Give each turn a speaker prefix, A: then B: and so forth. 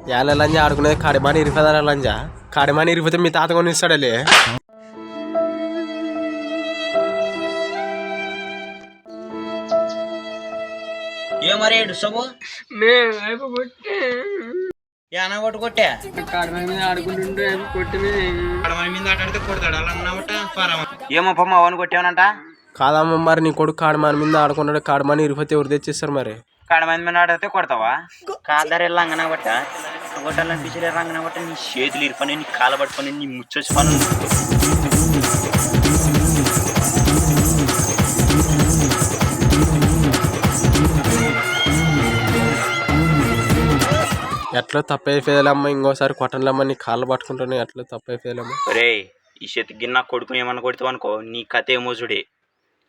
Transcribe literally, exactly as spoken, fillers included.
A: యాల లంజా ఆడుకునేది కాడిమాని ఇరిపోదా లంజా కాడిమాని ఇరిపోతే మీ తాత కొని ఇస్తాడలే.
B: ఏ మరి ఏడుస్తావు ఏనా కొట్టు కొట్టా
C: కాడమని మీద ఆడుకుంటుంటే కొట్టి
B: కడమని మీద ఆటాడితే కొడతాడు అలా అన్నమాట ఏమో పమ్మ అవన్నీ కొట్టావనంట.
A: కాదమ్మ మరి నీ కొడుకు కాడిమాని మీద ఆడుకున్నాడు కాడిమాని ఇరిపోతే ఎవరు తెచ్చిస్తారు మరి?
B: కడమని మీద ఆడితే కొడతావా? కాదరే లంగన కొట్ట కొట్టాలనిపించలే రంగన కొట్ట నీ చేతులు ఇరుపని నీ కాళ్ళ పట్టుకొని నీ ముచ్చొచ్చి పను.
A: ఎట్లా తప్పైపోయాలమ్మా, ఇంకోసారి కొట్టనులమ్మా, నీ కాళ్ళు పట్టుకుంటాను ఎట్లా తప్పైపోయాలమ్మా.
B: రే ఈ చేతికి నా కొడుకుని ఏమన్నా కొడతావు అనుకో నీ కథ ఏమో చూడే.